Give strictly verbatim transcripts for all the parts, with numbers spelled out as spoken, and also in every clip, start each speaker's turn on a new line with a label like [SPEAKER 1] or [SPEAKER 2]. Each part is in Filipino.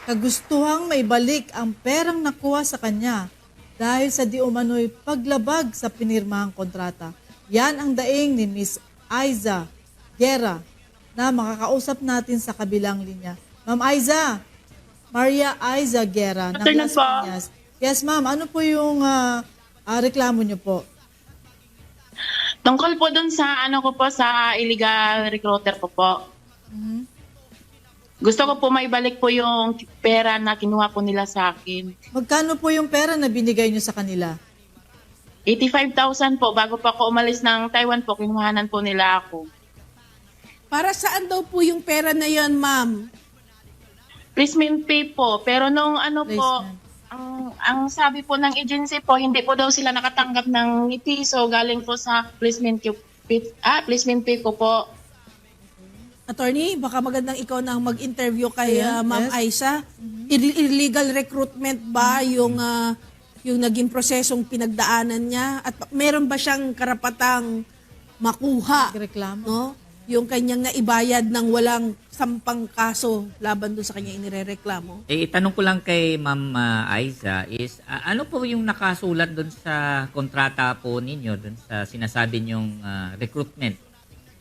[SPEAKER 1] kagustuhang maibalik ang perang nakuha sa kanya dahil sa di umano'y paglabag sa pinirmahang kontrata. Yan ang daing ni Miss Aiza Guerra na makakausap natin sa kabilang linya. Ma'am Aiza, Maria Aiza Guerra ng
[SPEAKER 2] Afternoon
[SPEAKER 1] Las
[SPEAKER 2] po.
[SPEAKER 1] Piñas. Yes ma'am, ano po yung ah, ah, reklamo niyo po?
[SPEAKER 2] Tungkol po dun sa ano ko po sa illegal recruiter ko po.
[SPEAKER 1] Mhm.
[SPEAKER 2] Gusto ko po maibalik po yung pera na kinuha po nila sa akin.
[SPEAKER 1] Magkano po yung pera na binigay niyo sa kanila?
[SPEAKER 2] eighty-five thousand po. Bago pa ako umalis ng Taiwan po, kinuhanan po nila ako.
[SPEAKER 3] Para saan daw po yung pera na yon, ma'am?
[SPEAKER 2] Placement pay po. Pero nung ano po,
[SPEAKER 1] Placement.
[SPEAKER 2] ang, ang sabi po ng agency po, hindi po daw sila nakatanggap ng piso galing po sa placement pay, ah, placement pay ko po.
[SPEAKER 3] Attorney, baka magandang ikaw nang mag-interview kay
[SPEAKER 1] Yeah,
[SPEAKER 3] ah, Ma'am
[SPEAKER 1] yes.
[SPEAKER 3] Aiza. Ill- Illegal recruitment ba yung ah, yung naging prosesong pinagdaanan niya? At pa- meron ba siyang karapatang makuha,
[SPEAKER 1] Reklamo?
[SPEAKER 3] no? Yung kanyang naibayad ng walang sampang kaso laban doon sa kanya inirereklamo?
[SPEAKER 4] Eh, itanong ko lang kay Ma'am ah, Aiza is, ah, ano po yung nakasulat doon sa kontrata po ninyo, doon sa sinasabi niyong ah, recruitment?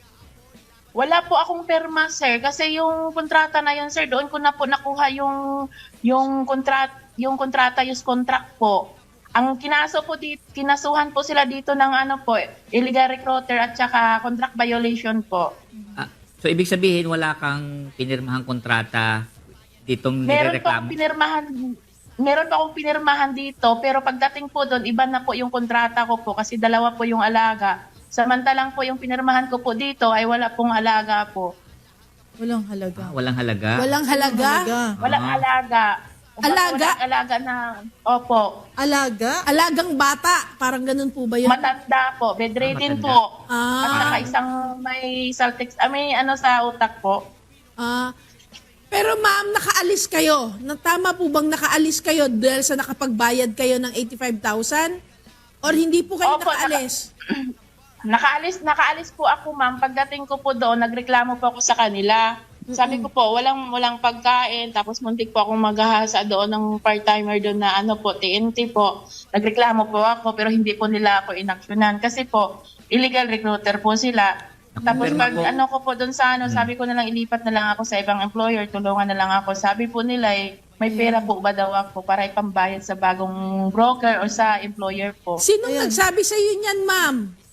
[SPEAKER 2] Wala po akong perma, sir. Kasi yung kontrata na yun, sir, doon ko na po nakuha yung yung kontrat yung kontrata, yung contract po. Ang kinaso po dito, kinasuhan po sila dito ng ano po, illegal recruiter at saka contract violation po.
[SPEAKER 4] Ah, so, ibig sabihin, wala kang pinirmahang kontrata ditong
[SPEAKER 2] Meron po akong
[SPEAKER 4] nirereklamo?
[SPEAKER 2] pinirmahan Meron pa akong pinirmahan dito, pero pagdating po doon, iba na po yung kontrata ko po kasi dalawa po yung alaga. Samantalang po yung pinirmahan ko po dito ay wala pong alaga po.
[SPEAKER 1] Walang halaga.
[SPEAKER 4] Ah, walang halaga?
[SPEAKER 3] Walang halaga?
[SPEAKER 2] Walang
[SPEAKER 4] Ah.
[SPEAKER 2] alaga. Kumbaga,
[SPEAKER 3] Alaga?
[SPEAKER 2] Walang alaga na, opo.
[SPEAKER 1] Alaga?
[SPEAKER 3] Alagang bata, parang ganun po ba yun?
[SPEAKER 2] Matanda po, bedridden
[SPEAKER 4] Ah, matanda.
[SPEAKER 2] po.
[SPEAKER 3] Ah.
[SPEAKER 2] At saka isang may saltex, ah, may ano sa utak po.
[SPEAKER 3] Ah, pero ma'am, nakaalis kayo. Na tama po bang nakaalis kayo dahil sa nakapagbayad kayo ng eighty-five thousand? Or hindi po kayo
[SPEAKER 2] Opo,
[SPEAKER 3] nakaalis?
[SPEAKER 2] Nakaalis, nakaalis po ako, ma'am. Pagdating ko po doon, nagreklamo po ako sa kanila. Sabi ko po, walang walang pagkain, tapos muntik po akong maghahasa doon ng part-timer doon na ano po, T N T po. Nagreklamo po ako, pero hindi po nila ako inaksyonan. Kasi po, illegal recruiter po sila. Tapos
[SPEAKER 4] Pero
[SPEAKER 2] pag
[SPEAKER 4] po-
[SPEAKER 2] ano ko po doon sa ano, sabi ko na lang ilipat na lang ako sa ibang employer, tulungan na lang ako. Sabi po nila eh, may pera po ba daw ako para ipambayad sa bagong broker o sa employer po.
[SPEAKER 3] Sinong
[SPEAKER 1] Ayan.
[SPEAKER 3] nagsabi sa iyo niyan, ma'am?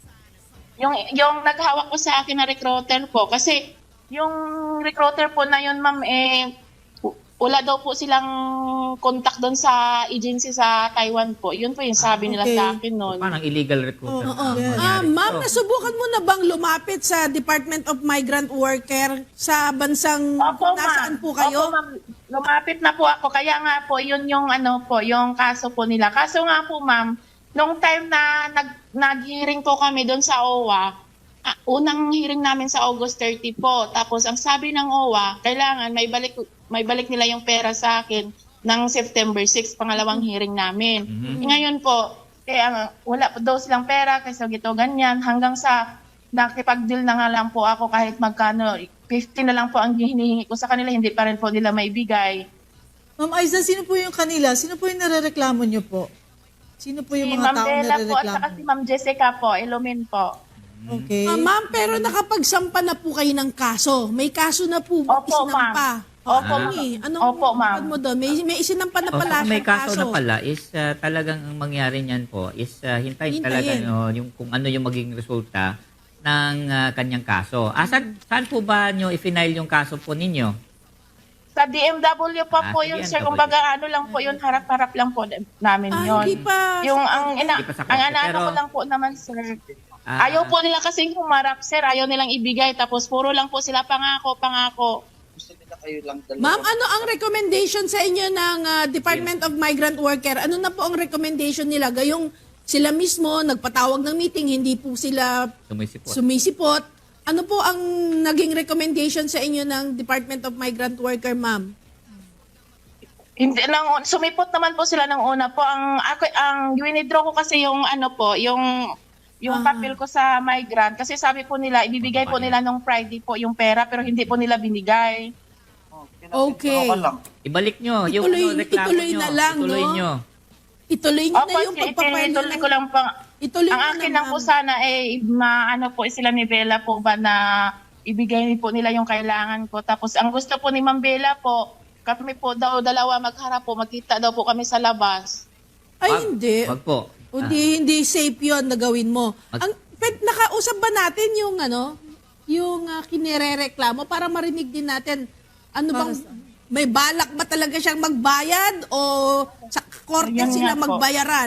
[SPEAKER 2] Yung yung naghawak ko sa akin na recruiter po kasi yung recruiter po na yun, ma'am, eh w- wala daw po silang contact doon sa agency sa Taiwan po. Yun po yung sabi nila
[SPEAKER 1] Okay.
[SPEAKER 2] sa akin noon.
[SPEAKER 4] Parang illegal recruiter.
[SPEAKER 1] Oo,
[SPEAKER 4] ang
[SPEAKER 1] yes.
[SPEAKER 3] Ah,
[SPEAKER 4] nangyari.
[SPEAKER 3] ma'am,
[SPEAKER 4] So,
[SPEAKER 3] nasubukan mo na bang lumapit sa Department of Migrant Worker sa bansang
[SPEAKER 2] Opo,
[SPEAKER 3] nasaan
[SPEAKER 2] ma'am.
[SPEAKER 3] po kayo?
[SPEAKER 2] Opo, ma'am. Lumapit na po ako. Kaya nga po, yun yung ano po, yung kaso po nila. Kaso nga po, ma'am, nung time na nag, nag-hearing po kami doon sa O W A, ah, unang hearing namin sa August thirty po. Tapos ang sabi ng O W A, kailangan may balik, may balik nila yung pera sa akin ng September sixth, pangalawang hearing namin.
[SPEAKER 4] Mhm.
[SPEAKER 2] Ngayon po, kaya nga, wala po daw silang pera kasi gito ganyan. Hanggang sa nakipag-deal na nga lang po ako kahit magkano, fifty na lang po ang hinihingi ko sa kanila, hindi pa rin po nila maibigay.
[SPEAKER 1] Ma'am Aiza, sino po yung kanila? Sino po yung narereklamo niyo po? Sino po yung
[SPEAKER 2] Si
[SPEAKER 1] mga
[SPEAKER 2] Ma'am
[SPEAKER 1] taong
[SPEAKER 2] Bella po at
[SPEAKER 1] narereklamo?
[SPEAKER 2] saka si Ma'am Jessica po, Ilumin po.
[SPEAKER 1] Okay.
[SPEAKER 3] Ah, ma'am, pero nakapagsampa na po kayo ng kaso. May kaso na po
[SPEAKER 2] Opo,
[SPEAKER 3] isinampa.
[SPEAKER 2] Opo,
[SPEAKER 3] Ah,
[SPEAKER 2] ma'am.
[SPEAKER 3] Anong
[SPEAKER 2] Opo, ma'am.
[SPEAKER 3] ano mo doon? May, may isinampa na
[SPEAKER 4] oh,
[SPEAKER 3] pala
[SPEAKER 4] kung may
[SPEAKER 3] siyang
[SPEAKER 4] kaso, na pala is ah, talagang ang mangyari niyan po is ah, hintayin,
[SPEAKER 3] Hintayin.
[SPEAKER 4] talaga no, yung kung ano yung maging resulta ng ah, kanyang kaso. Ah, saan, saan po ba nyo i-file yung kaso po ninyo?
[SPEAKER 2] Sa D M W pa
[SPEAKER 4] Ah,
[SPEAKER 2] po
[SPEAKER 4] sa
[SPEAKER 2] yun,
[SPEAKER 4] D M W.
[SPEAKER 2] sir. Kumbaga ano lang po yun, harap-harap lang po namin
[SPEAKER 3] Ah,
[SPEAKER 2] yun.
[SPEAKER 3] hindi pa.
[SPEAKER 2] Yung ang ina,
[SPEAKER 4] Hindi pa sa
[SPEAKER 2] ang
[SPEAKER 4] korte,
[SPEAKER 2] ano
[SPEAKER 4] pero-
[SPEAKER 2] ko lang po naman, sir.
[SPEAKER 4] Ah,
[SPEAKER 2] Ayaw po nila kasing humarap, sir. Ayaw nilang ibigay. Tapos puro lang po sila pangako, pangako.
[SPEAKER 3] Ma'am, ano ang recommendation sa inyo ng ah, Department of Migrant Worker? Ano na po ang recommendation nila? Gayong sila mismo nagpatawag ng meeting, hindi po sila
[SPEAKER 4] Sumisipot.
[SPEAKER 3] sumisipot. Ano po ang naging recommendation sa inyo ng Department of Migrant Worker, ma'am?
[SPEAKER 2] Hindi lang sumipot naman po sila ng una po. Ang ako ang winidraw ko kasi yung ano po, yung yung
[SPEAKER 3] Ah.
[SPEAKER 2] papel ko sa migrant kasi sabi po nila ibibigay po nila nung Friday po yung pera pero hindi po nila binigay.
[SPEAKER 3] Okay.
[SPEAKER 5] Okay lang.
[SPEAKER 4] Ibalik nyo. Yung
[SPEAKER 3] Ituloy-
[SPEAKER 4] ano, reklamo
[SPEAKER 3] ituloy
[SPEAKER 4] nyo.
[SPEAKER 3] na lang,
[SPEAKER 4] Ituloy
[SPEAKER 3] no?
[SPEAKER 4] nyo.
[SPEAKER 3] Ituloy nyo
[SPEAKER 2] Opo,
[SPEAKER 3] na yung pagpapile
[SPEAKER 2] ituloy
[SPEAKER 3] ng...
[SPEAKER 2] ko lang pa.
[SPEAKER 3] Ituloy
[SPEAKER 2] Ang
[SPEAKER 3] nyo
[SPEAKER 2] akin
[SPEAKER 3] na,
[SPEAKER 2] lang po
[SPEAKER 3] ma'am.
[SPEAKER 2] sana eh, maano po sila ni Bella po ba na ibigay po nila yung kailangan ko. Tapos ang gusto po ni Ma'am Bella po, kami po daw dalawa magharap po, magkita daw po kami sa labas.
[SPEAKER 3] Ay,
[SPEAKER 4] Wag-
[SPEAKER 3] hindi.
[SPEAKER 4] Wag po.
[SPEAKER 3] Hindi, hindi safe yun na gawin mo.
[SPEAKER 4] Mag-
[SPEAKER 3] Ang, pwede, nakausap ba natin yung ano, yung uh, kinirereklamo para marinig din natin ano bang, may balak ba talaga siyang magbayad o sa korte
[SPEAKER 2] Ayun
[SPEAKER 3] sila
[SPEAKER 2] nga po.
[SPEAKER 3] magbayaran?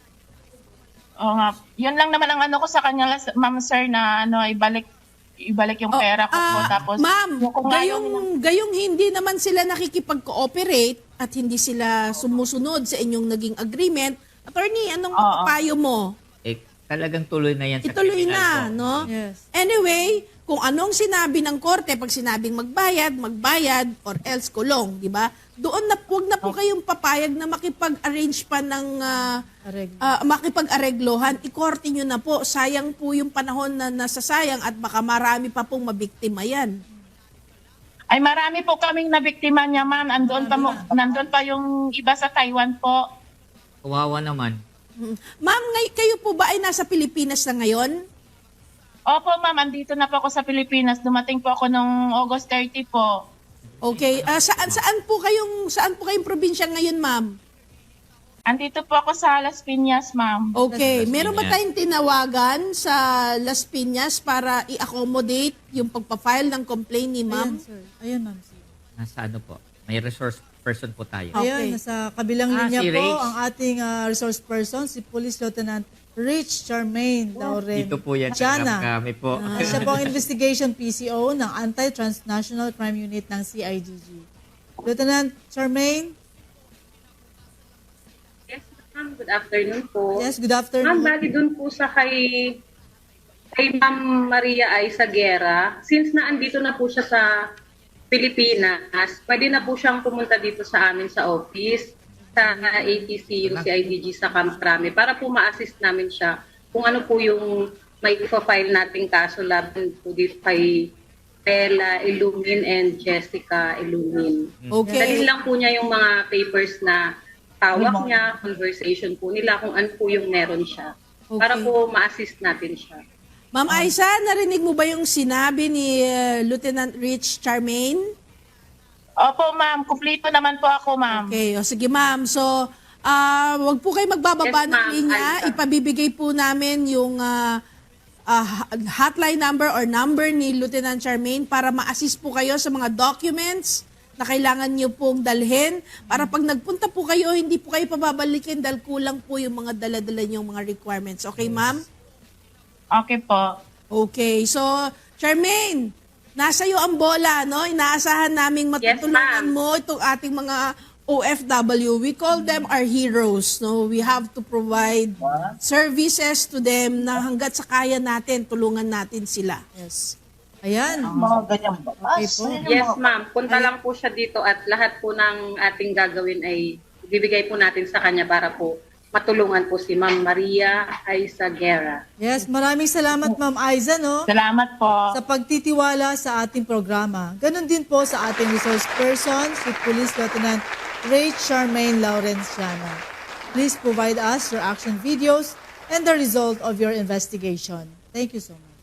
[SPEAKER 2] Oo nga. Yun lang naman ang ano ko sa kanya, Ma'am Sir, na ano, ibalik ibalik yung
[SPEAKER 3] Oh,
[SPEAKER 2] pera ko po.
[SPEAKER 3] ah,
[SPEAKER 2] Tapos,
[SPEAKER 3] ma'am,
[SPEAKER 2] yung kung nga yung-
[SPEAKER 3] gayong, gayong hindi naman sila nakikipag-cooperate at hindi sila sumusunod sa inyong naging agreement, attorney, anong
[SPEAKER 2] Oo.
[SPEAKER 3] mapapayo mo?
[SPEAKER 4] Eh, talagang tuloy na yan sa
[SPEAKER 3] Ituloy
[SPEAKER 4] criminal
[SPEAKER 3] na,
[SPEAKER 4] po.
[SPEAKER 3] no?
[SPEAKER 1] Yes.
[SPEAKER 3] Anyway, kung anong sinabi ng korte, pag sinabing magbayad, magbayad, or else kulong, di ba? Doon na, huwag na po kayong papayag na makipag-arrange pa ng, ah,
[SPEAKER 1] Arreglo.
[SPEAKER 3] ah, makipag-areglohan. Ikorte nyo na po. Sayang po yung panahon na nasasayang at baka marami pa pong mabiktima yan.
[SPEAKER 2] ay marami po kaming nabiktima niya, ma'am. Andun pa, mo, nandun pa yung iba sa Taiwan po.
[SPEAKER 4] Kawawa naman.
[SPEAKER 3] Mm. Ma'am, ngay- kayo po ba ay nasa Pilipinas na ngayon?
[SPEAKER 2] Opo, ma'am. Andito na po ako sa Pilipinas. Dumating po ako nung August thirty po.
[SPEAKER 3] Okay. Ah, saan saan po kayong saan po kayong probinsya ngayon, ma'am?
[SPEAKER 2] Andito po ako sa Las Piñas, ma'am.
[SPEAKER 3] Okay.
[SPEAKER 4] Las
[SPEAKER 3] Meron ba
[SPEAKER 4] Piñas.
[SPEAKER 3] tayong tinawagan sa Las Piñas para i-accommodate yung pagpa-file ng complaint ni
[SPEAKER 1] Ayan,
[SPEAKER 3] ma'am?
[SPEAKER 1] sir. Ayan, ma'am. sir.
[SPEAKER 4] Nasa ano po. May resource person po tayo.
[SPEAKER 3] Okay.
[SPEAKER 1] Ayan, nasa kabilang
[SPEAKER 4] Ah,
[SPEAKER 1] linya
[SPEAKER 4] si
[SPEAKER 1] po
[SPEAKER 4] Rach.
[SPEAKER 1] ang ating ah, resource person, si Police Lieutenant Rich Charmaine Lauren
[SPEAKER 4] Dito po yan.
[SPEAKER 1] Chana.
[SPEAKER 4] Kami po.
[SPEAKER 1] Ah, siya po ang Investigation P C O ng Anti-Transnational Crime Unit ng C I D G. Lieutenant Charmaine,
[SPEAKER 6] Yes, ma'am. Good afternoon po.
[SPEAKER 1] yes, good
[SPEAKER 6] Ma'am,
[SPEAKER 1] afternoon.
[SPEAKER 6] bali dun po sa kay kay Ma'am Maria Aiza Guerra, since na andito na po siya sa Pilipinas, pwede na po siyang pumunta dito sa amin sa office, sa A T C U, C I D G sa Camp Crame, para po ma-assist namin siya kung ano po yung may ipa-file nating kaso laban po dito kay Bella Illumin and Jessica Illumin.
[SPEAKER 3] Okay.
[SPEAKER 6] Dalhin lang po niya yung mga papers na tawag niya, conversation po nila, kung ano po yung meron siya. Para
[SPEAKER 3] Okay.
[SPEAKER 6] po ma-assist natin siya.
[SPEAKER 3] Ma'am Aiza, narinig mo ba yung sinabi ni uh, Lieutenant Rich Charmaine?
[SPEAKER 2] Opo, ma'am. Kumplito naman po ako, ma'am.
[SPEAKER 3] Okay, o sige ma'am. So, ah wag po kayo magbababa
[SPEAKER 6] Yes,
[SPEAKER 3] ng
[SPEAKER 6] ma'am.
[SPEAKER 3] linya.
[SPEAKER 6] Aiza.
[SPEAKER 3] Ipabibigay po namin yung ah, ah, hotline number or number ni Lieutenant Charmaine para ma-assist po kayo sa mga documents na kailangan niyo pong dalhin para pag nagpunta po kayo, hindi po kayo pababalikin dahil kulang po yung mga dala-dala niyong mga requirements. Okay, ma'am?
[SPEAKER 2] Okay po.
[SPEAKER 3] Okay. So, Charmaine, nasa iyo ang bola, no? Inaasahan naming matutulungan
[SPEAKER 6] ma'am.
[SPEAKER 3] mo itong ating mga O F W. We call them our heroes, no? We have to provide services to them na hanggat sa kaya natin, tulungan natin sila.
[SPEAKER 1] Yes. Ayan.
[SPEAKER 5] Mga ganyan ba?
[SPEAKER 1] Okay po.
[SPEAKER 6] Yes, ma'am. Punta lang po siya dito at lahat po ng ating gagawin ay bibigay po natin sa kanya para po matulungan po si Ma'am Maria Aiza Guerra.
[SPEAKER 1] Yes, maraming salamat Ma'am Aiza, no?
[SPEAKER 2] Salamat po.
[SPEAKER 1] Sa pagtitiwala sa ating programa. Ganon din po sa ating resource person, si Police Lieutenant Ray Charmaine Lawrence Chana. Please provide us your action videos and the result of your investigation. Thank you so much.